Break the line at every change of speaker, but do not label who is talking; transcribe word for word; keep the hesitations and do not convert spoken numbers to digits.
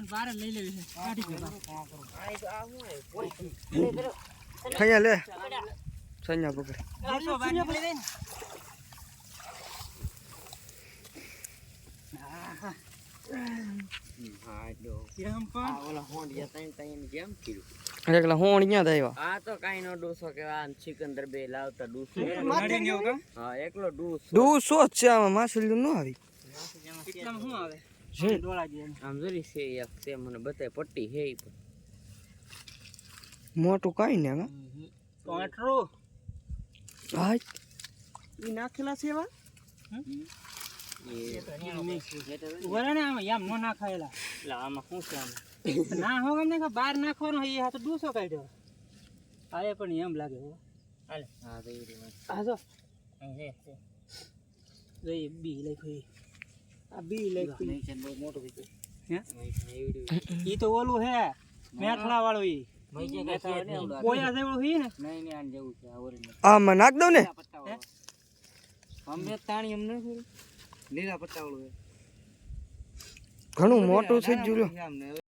બારે લઈ લેવી છે કાઢી ગયો
અહીંયા લે સૈયા પકડ
આસો બારી લઈ દે ને
હા જો
કેમ પણ
આ ઓલા હોંડિયા તઈ તઈ કેમ કીધું
એકલા હોણ ક્યાં થાય
આ તો કાઈ નો ડૂસો કે આ સિકંદર બે લાવતા ડૂસો
નડી ને એવું
હા એકલો ડૂસો
દૂસો જ છે આમાં માછલી ન આવી
કેટલામાં શું આવે
છે
ડોળા દે
આમ જરી છે એક તે મને બતાય પટ્ટી હે ઈ પણ
મોટું કાઈ ને હા
ટોટરો
હાય
ઈ નાખેલા છે એવા
એ
વરે ને આમાં યામ નો નાખાયેલા એટલે આમાં શું છે આમાં ના હો ગમે કે બહાર નાખવાનો એ આ તો ડૂસો કાઢ્યો આએ પણ એમ લાગે હો હાલે
હા તો ઈ વાત
આ જો અહીં છે છે જોઈ બી લખ્યું આ બી લખ્યું
નહીં છે બહુ મોટું કીધું
હે
નહીં
ઈ તો ઓલું હે મેઠલા વાળું ઈ
મઈ જે કે ને
કોયા જેવું હી ને
નહીં નહીં આન જેવું છે આ ઓરિજિનલ
આમાં નાખ દઉં ને
અમને તાણી અમને લીલા પટ્ટા વાળું
ઘણું મોટું છે જ જો
અમને